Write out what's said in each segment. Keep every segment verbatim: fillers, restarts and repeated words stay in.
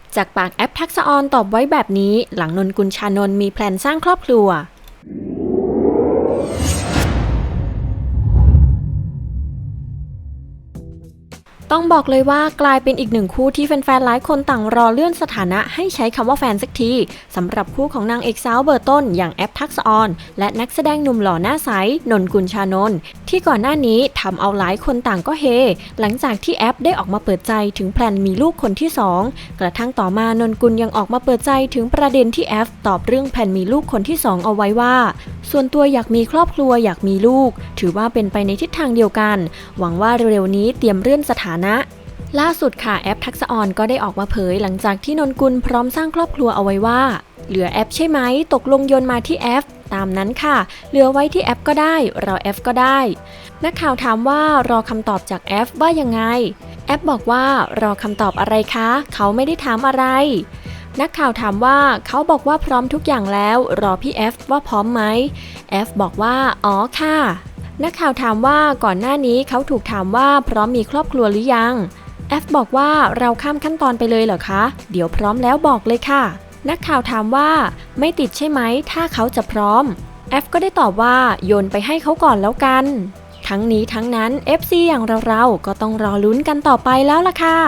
จากปากแอปทักษะออนตอบไว้แบบนี้หลังนนกุลชานนท์มีแพลนสร้างครอบครัวต้องบอกเลยว่ากลายเป็นอีกหนึ่งคู่ที่แฟนๆหลายคนต่างรอเลื่อนสถานะให้ใช้คำว่าแฟนสักทีสำหรับคู่ของนางเอกสาวเบอร์ต้นอย่างแอปทักษะออนและนักแสดงหนุ่มหล่อหน้าใสนนกุลชานนท์ที่ก่อนหน้านี้ทำเอาหลายคนต่างก็เฮหลังจากที่แอปได้ออกมาเปิดใจถึงแพลนมีลูกคนที่สองกระทั่งต่อมานนกุลยังออกมาเปิดใจถึงประเด็นที่แอปตอบเรื่องแพลนมีลูกคนที่สองเอาไว้ว่าส่วนตัวอยากมีครอบครัวอยากมีลูกถือว่าเป็นไปในทิศทางเดียวกันหวังว่าเร็วๆนี้เตรียมเลื่อนสถานะล่าสุดค่ะแอปทักษะออนก็ได้ออกมาเผยหลังจากที่นนกุลพร้อมสร้างครอบครัวเอาไว้ว่าเหลือแอปใช่ไหมตกลงโยนมาที่แอปตามนั้นค่ะเหลือไว้ที่แอปก็ได้รอแอปก็ได้นักข่าวถามว่ารอคำตอบจากแอปว่ายังไงแอปบอกว่ารอคำตอบอะไรคะเขาไม่ได้ถามอะไรนักข่าวถามว่าเขาบอกว่าพร้อมทุกอย่างแล้วรอพี่แอฟว่าพร้อมไหมแอฟบอกว่าอ๋อค่ะนักข่าวถามว่าก่อนหน้านี้เขาถูกถามว่าพร้อมมีครอบครัวหรือยังแอฟบอกว่าเราข้ามขั้นตอนไปเลยเหรอคะเดี๋ยวพร้อมแล้วบอกเลยค่ะนักข่าวถามว่าไม่ติดใช่ไหมถ้าเขาจะพร้อมแอฟก็ได้ตอบว่าโยนไปให้เขาก่อนแล้วกันทั้งนี้ทั้งนั้น เอฟ ซี อย่างเราๆก็ต้องรอลุ้นกันต่อไปแล้วล่ะค่ะ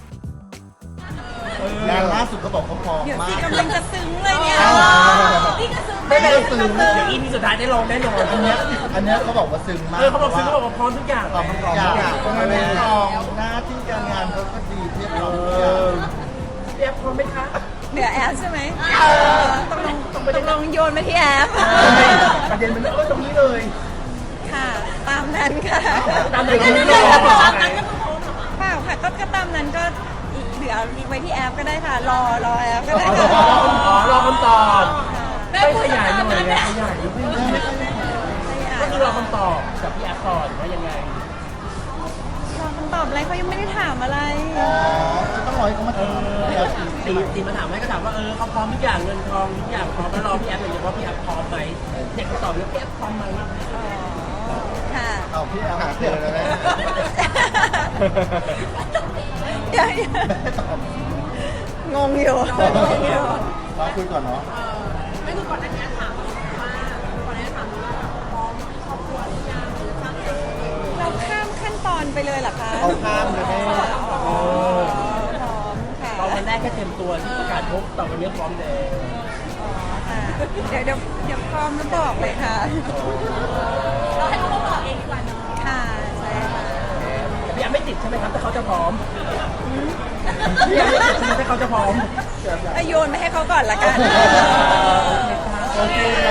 งานล่าสุดเขาบอกเขาพร้อมมากกำลังจะซึ้งเลยเนี่ยพี่ก็ซึ้งไม่ได้ซึ้งเดี๋ยวอีพีสุดท้ายได้ลองแน่นอนอันเนี้ยอันเนี้ยเขาบอกว่าซึ้งมากเออเขาบอกซึ้งเขาบอกว่าพร้อมทุกอย่างพร้อมทุกอย่างทำไมไม่ลองหน้าที่การงานเขาก็ดีเทียบเราทุกอย่างเรียบพร้อมไหมคะเหนือแอปใช่ไหมต้องลงต้องลงโยนมาที่แอปประเด็นมันเออตรงนี้เลยค่ะ ตามนั้นค่ะตามนั้นก็ไม่รอเปล่าค่ะก็ก็ตามนั้นก็เหลือไว้ที่แอปก็ได้ค่ะ รอรอแอปก็ได้รอค่ะอ๋อรอคำตอบไม่ขยายหน่อยไงขยายนิดนึงก็คือรอคำตอบจากพี่แอฟก่อนว่ายังไงรอคำตอบอะไรเขายังไม่ได้ถามอะไรอ๋อจะต้องรอให้เขามาเอทำอเดี๋ยวสิตีตีมาถามให้ก็ถามว่าเออเขาพร้อมทุกอย่างเงินทองทุกอย่างพร้อมแล้วรอพี่แอฟเลยว่าพี่แอฟพร้อมไหมเด็กก็ตอบแล้วพี่แอฟพร้อมไหมค่ะเอาพี่เอาหาเจอแล้วไหมเดี๋ยวแม่ตอบงงอยู่งงอยู่มาคุยก่อนเนาะเราข้ามขั้นตอนไปเลยเหรอคะเอาข้ามเลยแม่อ๋อพร้อมค่ะตอนวันแรกแค่เต็มตัวที่ประกาศพบต่อวันนี้พร้อมแล้วอ๋อค่ะเดี๋ยวเดี๋ยวเดี๋ยวพร้อมแล้วบอกเลยค่ะ เราให้เขาบอกเองดีกว่าเนาะค่ะใช่ค่ะพี่แอฟไม่ติดใช่ไหมครับแต่เขาจะพร้อมพี่แอฟไม่ติดใช่ไหมแต่เขาจะพร้อมเอาโยนไปให้เขาก่อนละกันโอเค